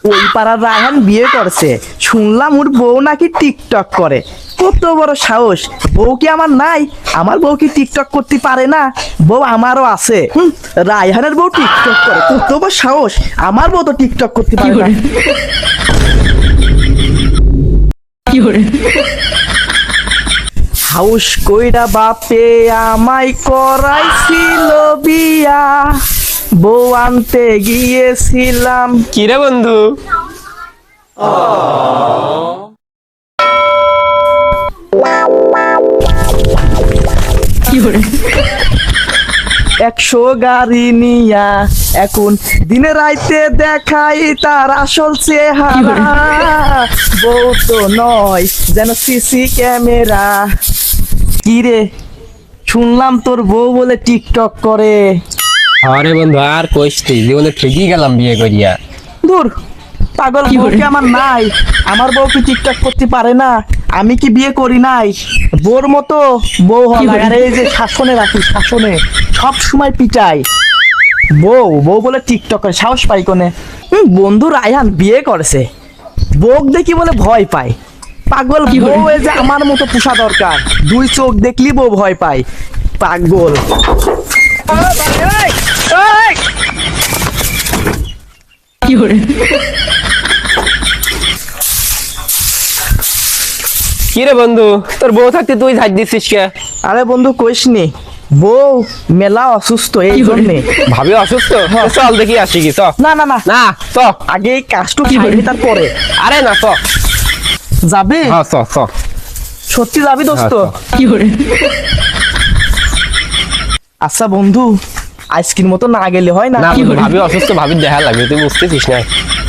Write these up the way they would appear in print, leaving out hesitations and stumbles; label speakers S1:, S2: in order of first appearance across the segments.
S1: ওই পাড়ার রায়হান বিয়ে করছে, শুনলাম ওর বউ নাকি টিকটক করে। কত বড় সাহস! বউ কি আমার নাই? আমার বউ কি টিকটক করতে পারে না? বউ আমারও আছে। রায়হানের বউ টিকটক করে, কত বড় সাহস! আমার বউ তো টিকটক করতে পারে না। হাউস কইরা বাপে আমায় করাইছিল বিয়া, বউ আনতে গিয়েছিলাম।
S2: কিরে বন্ধু?
S1: একশো গাড়ি নিয়া এখন দিনে রাইতে দেখাই তার আসল চেহারা। বউ তো নয় যেন সিসি ক্যামেরা। কি রে, শুনলাম তোর বউ বলে টিকটক করে।
S2: আরে বন্ধু আর কইস তুই, জীবনে ঠিকই গেলাম বিয়ে করিয়া।
S1: দূর পাগল, বউ কি আমার নাই? আমার বউ কি টিকটক করতে পারে না? আমি কি বিয়ে করি নাই? বোর মতো বউ হয় না। আর এই যে শাসনে রাখি, শাসনে সব সময় পিটাই। বউ বউ বলে টিকটক করে, সাহস পাই কোনে? বন্ধু রায়হান বিয়ে করেছে, বউ দেখি বলে ভয় পায়। পাগল, বউ এই যে আমার মতো পোষা দরকার। দুই চোখ দেখলি বউ ভয় পায়। পাগল।
S2: কিরে বন্ধু, তোর বউ থাকতে তুই ঝাঁজ দিচ্ছিস কে?
S1: আরে বন্ধু কইসনি, বউ মেলা অসুস্থ, এই জন্যে।
S2: ভাবি অসুস্থ? চল দেখি আসি কি, চ।
S1: না না না
S2: না চ।
S1: আগে এই কাজটু খাইনি তারপরে।
S2: আরে না চ।
S1: যাবে?
S2: হ্যাঁ চ চ।
S1: সত্যি যাবি দোস্ত?
S2: হ্যাঁ,
S1: আচ্ছা বন্ধু, আজকের মতো না গেলে হয় না?
S2: না বন্ধু, ভাবি অসুস্থ, ভাবির দেখা লাগবে, তুই বুঝতেছিস না।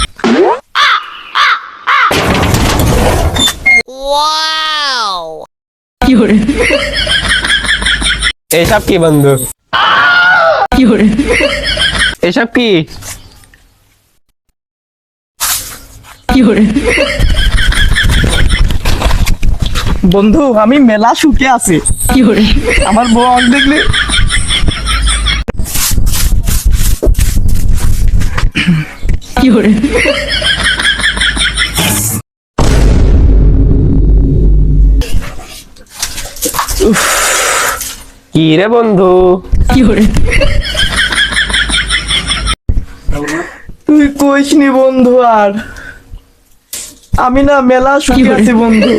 S2: এসব কি বন্ধু? এসব কি?
S1: বন্ধু আমি মেলা সুখে আছি। আমার বউ আমাকে দেখলে
S2: কি রে বন্ধু?
S1: তুই কইসনি বন্ধু, আর আমি না মেলা সুখে আছি বন্ধু।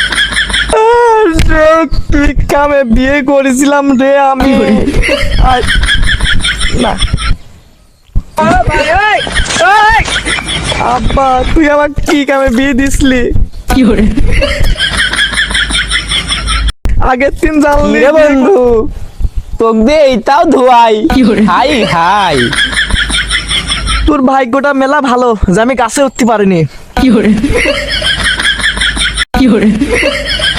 S1: রে তুই কামে বিয়ে করেছিলাম রে আমি। না আব্বা, তুই আমার কি কামে বিয়ে দিসলি? আগের দিন জানলি
S2: রে বন্ধু, তোক দে এইটাও ধোয়াই। হাই হাই,
S1: তোর ভাগ্যটা মেলা ভালো যে আমি গাছে উঠতে পারিনি।